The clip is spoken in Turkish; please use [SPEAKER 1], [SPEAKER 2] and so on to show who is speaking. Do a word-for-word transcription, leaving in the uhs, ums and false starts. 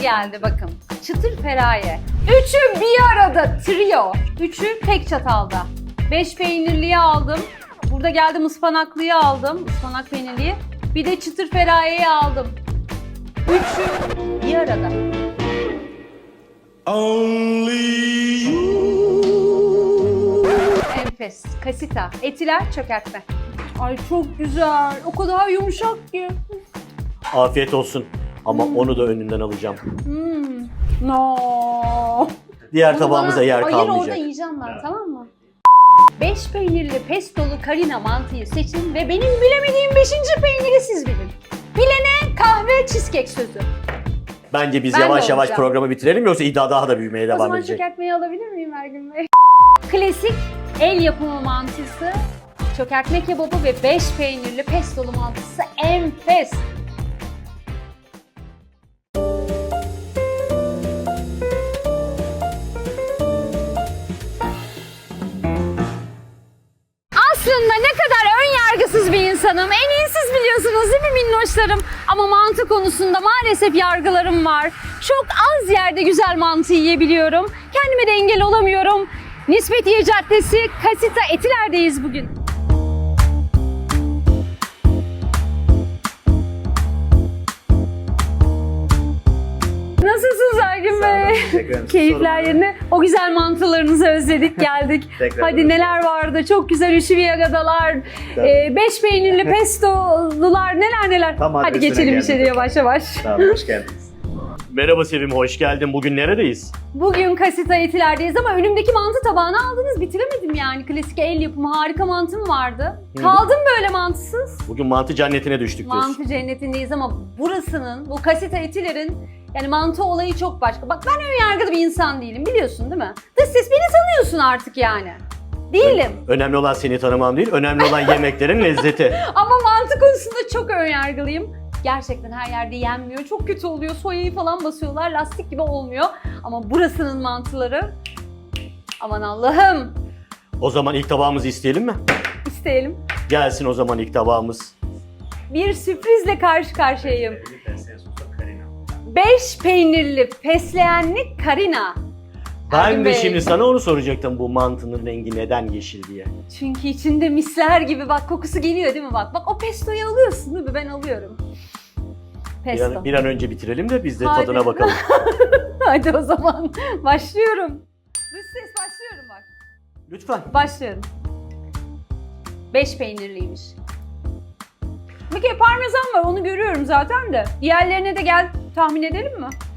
[SPEAKER 1] geldi bakın. Çıtır feraye. Üçü bir arada trio. Üçü tek çatalda. Beş peynirliyi aldım. Burada geldim ıspanaklıyı aldım. Ispanak peynirliyi. Bir de çıtır ferayeyi aldım. Üçü bir arada.
[SPEAKER 2] Only you.
[SPEAKER 1] Enfes. Kasita. Etiler çökertme. Ay çok güzel. O kadar yumuşak ki.
[SPEAKER 3] Afiyet olsun. Ama onu da önünden alacağım.
[SPEAKER 1] Hmm. No.
[SPEAKER 3] Diğer
[SPEAKER 1] Onu
[SPEAKER 3] tabağımıza
[SPEAKER 1] bana-
[SPEAKER 3] yer
[SPEAKER 1] Hayır orada
[SPEAKER 3] kalmayacak.
[SPEAKER 1] yiyeceğim ben, tamam mı? Beş peynirli pestolu karina mantıyı seçin ve benim bilemediğim beşinci peyniri siz bilin. Bilene kahve cheesecake sözü.
[SPEAKER 3] Bence biz
[SPEAKER 1] Ben de
[SPEAKER 3] yavaş yavaş
[SPEAKER 1] olacağım.
[SPEAKER 3] programı bitirelim yoksa iddia daha da büyümeye
[SPEAKER 1] O
[SPEAKER 3] devam
[SPEAKER 1] zaman
[SPEAKER 3] edecek.
[SPEAKER 1] çökertmeyi alabilir miyim Ergün Bey? Klasik el yapımı mantısı, çökertme kebabı ve beş peynirli pestolu mantısı enfes. Aslında ne kadar ön yargısız bir insanım. En iyi siz biliyorsunuz değil mi minnoşlarım? Ama mantı konusunda maalesef yargılarım var. Çok az yerde güzel mantı yiyebiliyorum. Kendime de engel olamıyorum. Nispetiye Caddesi, Kasita Etiler'deyiz bugün. Nasılsınız Ergün Bey? Keyifler yerine. O güzel mantılarınızı özledik, geldik.
[SPEAKER 3] Tekrar
[SPEAKER 1] Hadi
[SPEAKER 3] özledik.
[SPEAKER 1] neler vardı? Çok güzel üşüviyagadalar, e, beş peynirli pestolular, neler neler.
[SPEAKER 4] Tam
[SPEAKER 1] Hadi
[SPEAKER 4] adresine
[SPEAKER 1] geçelim
[SPEAKER 4] geldik.
[SPEAKER 1] içeri yavaş yavaş.
[SPEAKER 4] Tamam, hoş geldiniz.
[SPEAKER 3] Merhaba Sevim, hoş geldin. Bugün neredeyiz?
[SPEAKER 1] Bugün Kasita Etiler'deyiz ama önümdeki mantı tabağını aldınız. Bitiremedim yani. Klasik el yapımı harika mantım vardı. Kaldım böyle mantısız.
[SPEAKER 3] Bugün mantı cennetine düştük diyorsun.
[SPEAKER 1] Mantı cennetindeyiz ama burasının, bu Kasita Etiler'in yani mantı olayı çok başka. Bak ben ön yargılı bir insan değilim, biliyorsun değil mi? Dış ses beni tanıyorsun artık yani. Değilim.
[SPEAKER 3] Önemli olan seni tanımam değil, önemli olan yemeklerin lezzeti.
[SPEAKER 1] Ama mantı konusunda çok ön yargılıyım. Gerçekten her yerde yenmiyor. Çok kötü oluyor. Soyayı falan basıyorlar. Lastik gibi olmuyor. Ama burasının mantıları, aman Allah'ım,
[SPEAKER 3] O zaman ilk tabağımızı isteyelim mi?
[SPEAKER 1] isteyelim.
[SPEAKER 3] Gelsin o zaman ilk tabağımız.
[SPEAKER 1] Bir sürprizle karşı karşıyayım. Beş peynirli fesleğenli karina.
[SPEAKER 3] Ben
[SPEAKER 1] Ergün
[SPEAKER 3] de
[SPEAKER 1] Bey.
[SPEAKER 3] şimdi sana onu soracaktım, bu mantının rengi neden yeşil diye.
[SPEAKER 1] Çünkü içinde misler gibi bak kokusu geliyor değil mi bak. Bak o pestoyu alıyorsun değil mi? Ben alıyorum.
[SPEAKER 3] Bir
[SPEAKER 1] Pesto.
[SPEAKER 3] an, bir an önce bitirelim de biz de
[SPEAKER 1] Hadi.
[SPEAKER 3] tadına bakalım.
[SPEAKER 1] Hadi o zaman başlıyorum. Dış ses başlıyorum bak.
[SPEAKER 3] Lütfen.
[SPEAKER 1] Başlıyorum. Beş peynirliymiş. Bir kere parmesan var, onu görüyorum zaten de. Diğerlerine de gel tahmin edelim mi?